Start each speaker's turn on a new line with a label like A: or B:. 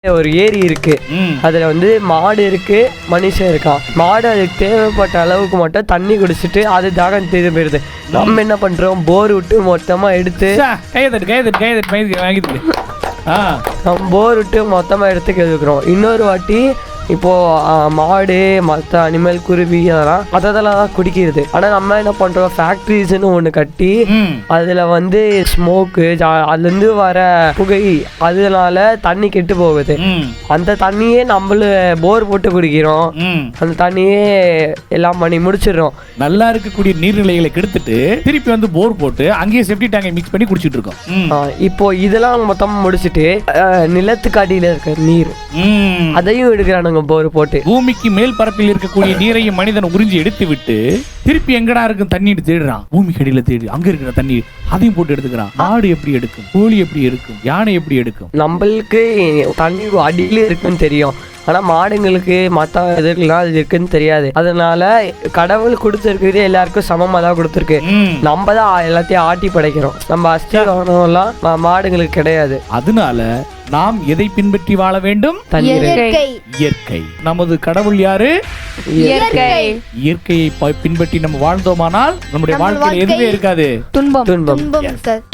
A: ஒரு ஏரி இருக்கு, அதுல வந்து மாடு இருக்கு, மனுஷன் இருக்கான். மாடு அதுக்கு தேவைப்பட்ட அளவுக்கு மட்டும் தண்ணி குடிச்சிட்டு அது தாகம் தீர்ந்து போயிருது. நம்ம என்ன பண்றோம், போர் விட்டு மொத்தமா எடுத்து போர் விட்டு மொத்தமா எடுத்து கேட்குறோம். இன்னொரு வாட்டி இப்போ மாடு மற்ற அனிமல் குருவி அதெல்லாம் தான் குடிக்கிறது. ஆனா நம்ம என்ன பண்றோம், ஃபேக்டரிஸ்ன்னு ஒண்ணு கட்டி அதுல வந்து ஸ்மோக்கு, அதுல இருந்து வர புகை, அதனால தண்ணி கெட்டு போகுது. அந்த தண்ணியே நம்மளும் போர் போட்டு குடிக்கிறோம். அந்த தண்ணியே எல்லாம் பண்ணி முடிச்சிடறோம்.
B: நல்லா இருக்கக்கூடிய நீர்நிலைகளை கெடுத்துட்டு திருப்பி வந்து போர் போட்டு அங்கேயே செப்டி டேங்கை மிக்ஸ் பண்ணி குடிச்சிட்டு இருக்கோம்.
A: இப்போ இதெல்லாம் மொத்தமா முடிச்சுட்டு நிலத்துக்கு அடியில இருக்க நீர் அதையும் எடுக்கிறானுங்க போர் போட்டு.
B: பூமிக்கு மேல் பரப்பில் இருக்கக்கூடிய நீரையும் மனிதன் உறிஞ்சி எடுத்து விட்டு திருப்பி எங்கடா இருக்கும் தண்ணி தேடுறான். பூமிக்கு அடியில தேடி அங்க இருக்கிற தண்ணி அதையும் போட்டு எடுத்துக்கிறான். ஆடு எப்படி எடுக்கும், கோழி எப்படி எடுக்கும், யானை எப்படி எடுக்கும்?
A: நம்மளுக்கு தண்ணி அடியில இருக்குன்னு தெரியும், ஆனா மாடுங்களுக்கு மற்ற இதுக்கெல்லாம் அது இருக்குன்னு தெரியாது. அதனால கடவுள் கொடுத்துருக்குது எல்லாருக்கும் சமமா தான் கொடுத்துருக்கு. நம்ம தான் எல்லாத்தையும் ஆட்டி படைக்கிறோம். நம்ம அஸ்திகாரம் எல்லாம் மாடுங்களுக்கு கிடையாது.
B: அதனால நாம் எதை பின்பற்றி வாழ வேண்டும்? இயற்கை. நமது கடவுள் யாரு? இயற்கையை பின்பற்றி நம்ம வாழ்ந்தோமானால் நம்முடைய வாழ்க்கையில் எதுவுமே இருக்காது,
A: துன்பம்.